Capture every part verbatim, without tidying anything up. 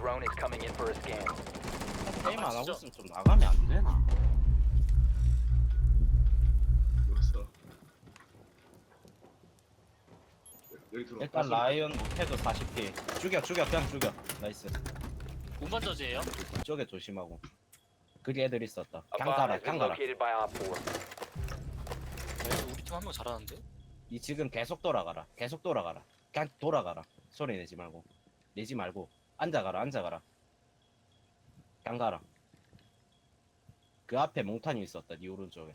drone is coming in for a scan. 게임 안 하고 있으면 좀 나가면 안 되나? 죽었어. 여기 들어. 일단 라이언 못해도 사십 피. 죽여 죽여 그냥 죽여. 나이스. 운반저지예요? 이쪽에 조심하고. 그리 애들 있었다. A 그냥 bomb 가라 has been 그냥 가라. located by Op four. 네, 우리 팀 한 명 잘하는데? 이 지금 계속 돌아가라. 계속 돌아가라. 그냥 돌아가라. 소리 내지 말고. 내지 말고. 앉아가라 앉아가라. 그냥 가라. 그 앞에 몽탄이 있었다. 니 오른쪽에.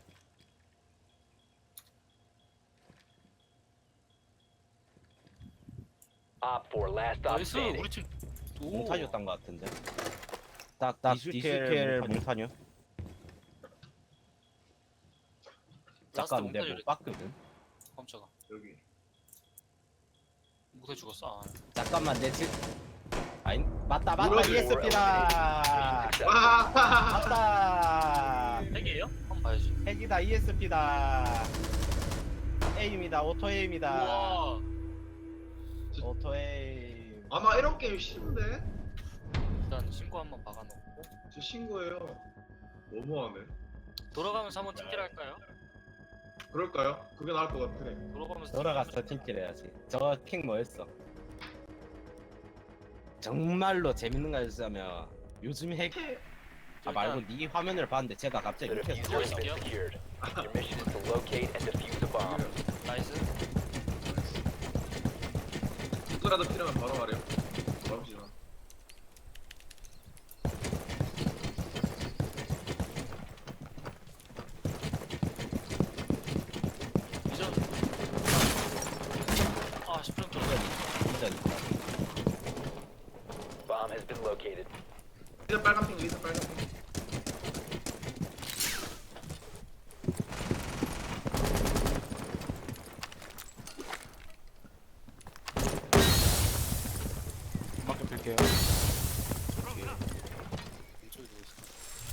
Op four, last stop 나이스 standing. 우리 팀. 오. 몽탄이었던 것 같은데. 딱딱 디스켈 몽탄이요. 잠깐 내가 못 봤거든. 깜짝아. 여기. 못해 죽었어. 아. 잠깐만 내 집. 아니 맞다 맞다 뭐라고? 이에스피다. 와. 맞다. 핵이에요? 한번 봐야지. 핵이다 이에스피다. 에임이다 오토 에임이다. 우와. 오토 에임. 아마 이런 게임 싫은데? 일단 신고 한번 박아놓고 저 신고해요. 너무하네. 돌아가면서 한번 팀킬 할까요? 그럴까요? 그게 나을 것 같아. 돌아가면서 돌아가서 팀킬 해야지. 저거 픽 뭐였어? 정말로 재밌는 거 해주자면 요즘 핵. 아 말고 네 화면을 봤는데 제가 갑자기 The 밑에서 diffuser has 쏘였어. been secured. Your mission is to locate and defuse the bomb. 나이스. 누구라도 필요하면 바로 말해요. 잠시만. 이전. 아 십 분 들어. 진짜 Bomb has been located. 리사 빨간 핑, 리사 빨간 핑. 음악 좀 들게요. 왼쪽에 누구 있어?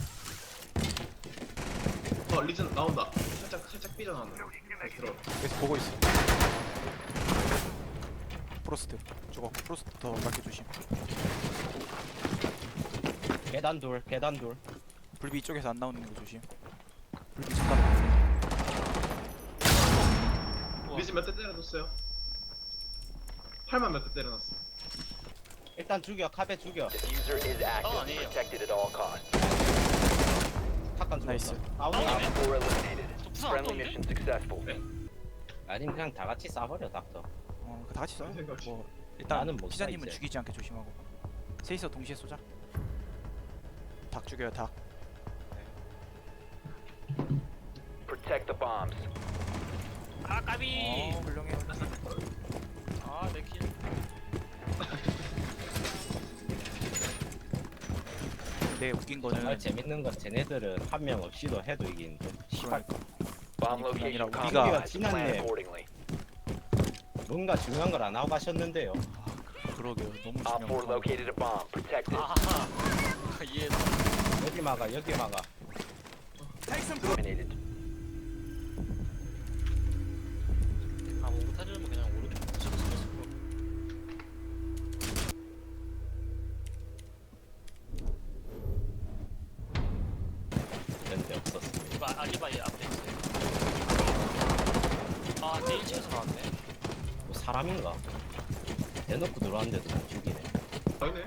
어, 리전 나온다. 살짝 살짝 삐져나온다. 다시 들어. 계속 보고 있어. 프로스트. 저거 프로스트부터 맞게 조심. 계단 돌 계단 돌. 불비 이쪽에서 안 나오는 거 조심. 불비 잠깐. 리전 몇 대 때려줬어요? 팔만 몇 대 때려놨어. 일단 죽여 카베 죽여. Diffuser is active. Oh, 아니에요. Protected at all costs. 탁간 죽었어. 나이스. 아웃 아웃. 아웃. Op four eliminated. 저 부산 안 Friendly 떴는데? mission successful. 아니면 그냥 다 같이 쏴버려 닥터. 어, 그 다 같이 쏴요. 생각이. 뭐 일단 나는 못 쏴, 기자님은 이제. 죽이지 않게 조심하고. 셋이서 동시에 쏘자. 닭 죽여요 닭. Protect the bombs. 아 까비. 어 훌륭해. 아내 킬. 근데 웃긴 정말 거는 재밌는 건 쟤네들은 한 명 없이도 해도 이기는데. 씨발 Bomb 아니, 그게 location 아니라 compromised. 우리가 Plan 지났네. accordingly. 뭔가 중요한 걸 안 하고 가셨는데요. 그러게요. 너무 Op four 중요한 거. located a bomb. Protect it. 아하. 이해했어. 여기 막아 여기 막아. Eliminated. 아뭐 못하려면 그냥 오른쪽 붙여서 쓰겠어. 그런데 없었어. 이거 아- 알리바이 앞에 있어요. 아 내 일 층에서 나왔네. 뭐 사람인가? 대놓고 들어왔는데도 못 죽이네. 아니네.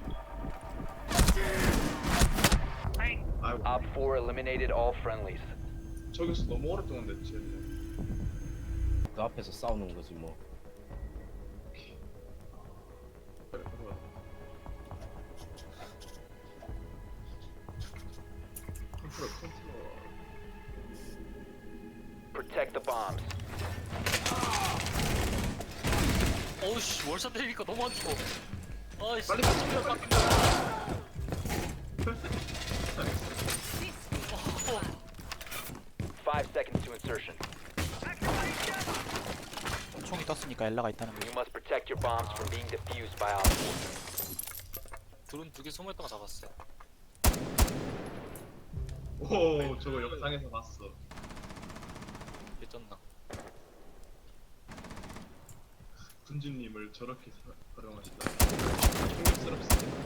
아이고, Op four eliminated all friendlies. 저기서 너무 오랫동안 됐지. 그 앞에서 싸우는 거지 뭐. 그래, 그래. 컨트롤, 컨트롤. Protect the bombs. 어우씨 월샷 때리니까 너무 안 죽어. 아이씨. 빨리 빡빡 빡빡. Five seconds to insertion. 총이 떴으니까 엘라가 있다는 You 거지. must protect your bombs from being defused by Op four. 드론 두 개 소모했던 거 잡았어요. 오, 저거 영상에서 봤어. 개쩐나. 군주님을 저렇게 사, 활용하시다. 충격스럽습니다.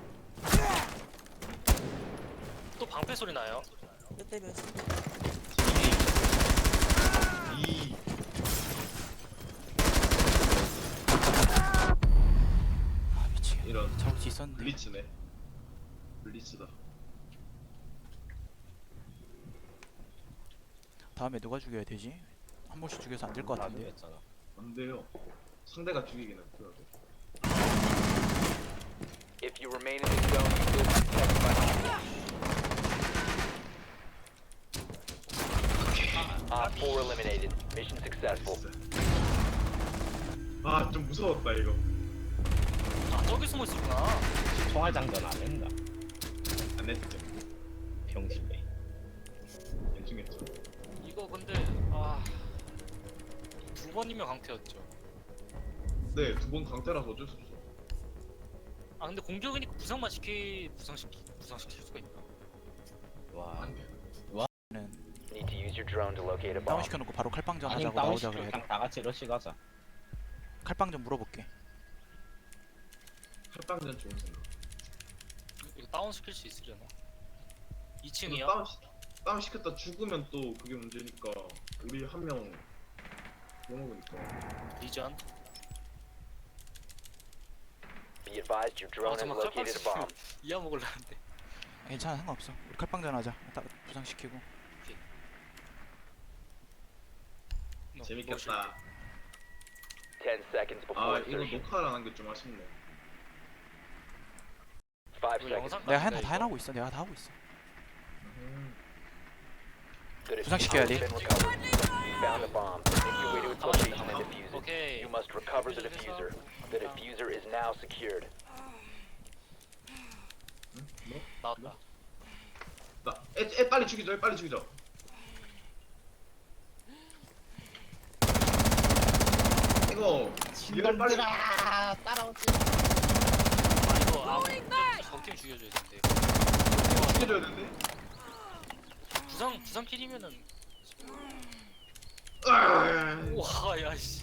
또 방패 소리 나요. 몇 대 몇이? 이 아 미치겠네. 이런 잡을 수 있었는데. 블리츠네. 블리츠다. 다음에 누가 죽여야 되지? 한 번씩 죽여서 안 될 것 나중에 같은데. 했잖아. 안 돼요. 상대가 죽이기는 그래도. If you remain in the zone, you will be detected by hostiles. Op four eliminated. Mission successful. 아, 좀 무서웠다 이거. 아 저기 숨어 있었구나. 총알 장전 안 했나? 안 했죠. 병신이. 대충 했죠. 이거 근데 아. 두 번이면 강태였죠. 네, 두 번 강태라서 어쩔 수 없어. 아 근데 공격이니까 부상만 시키 부상시키 부상시킬 수가 있나? 와. 안 돼. 는 Need to use your drone to locate a 다운 bomb. 시켜놓고 바로 칼빵전 아니 하자고 다운 나오자 시켜 그래. 그냥 다 같이 러시 가자. 칼빵전 물어볼게. 칼빵전 좋은 생각. 이거 다운 시킬 수 있으려나? 이거 이 층이야? 다운 시, 다운 시켰다 죽으면 또 그게 문제니까 우리 한 명 먹으니까. 리전? Be advised your drone 아 has 정말 located a bomb. 이하 먹으려는데. 괜찮아 상관없어. 우리 칼빵전 하자. 딱 부상시키고. 너, 재밌겠다. Ten seconds 아, before 이거 insertion. 녹화를 안 한 게 좀 아쉽네. Five 이거 seconds. 영상 내가 한, 같은데, 다 이거? 해나고 있어. 내가 다 하고 있어. 음. The 부상시켜야 diffuser has 돼. been recovered. You found a bomb. Make your way to its location and defuse it. 오케이. You must recover the diffuser. The diffuser is now secured. 응? 뭐? 나왔다. 나, 애, 애 빨리 죽이죠. 애 빨리 죽이죠. 이거 얘를 빨리 친구들아 따라오지. 아 이거 아 적팀 죽여줘야 되는데. 죽여줘야 되는데. 부상 부상 킬이면은 으아, 와 야씨.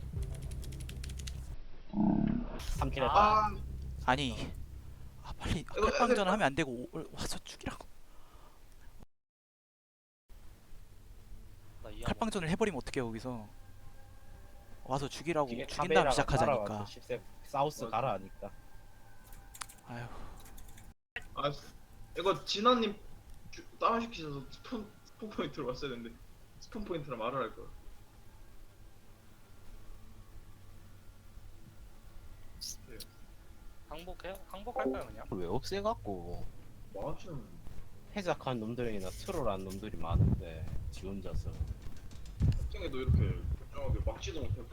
삼 킬 했다. 아, 아니. 아 빨리 이거, 칼빵전 이거, 하면 안 되고 오- 와서 죽이라고. 나 이하 칼빵전을 해버리면 어떡해 거기서. 와서 죽이라고 뒤에 죽인 다음 카메라가 시작하자니까. 따라와서 십세 사우스 맞아. 가라 하니까. 아휴. 아, 이거 진아님 다운 시키셔서 스폰 스폰 포인트로 왔어야 되는데 스폰 포인트라 말을 할 걸. 항복해 항복할까요 그냥? 왜 없애갖고 마주는 해작한 놈들이나 트롤한 놈들이 많은데 지 혼자서. 특정에도 이렇게 걱정하게 막지도 못하고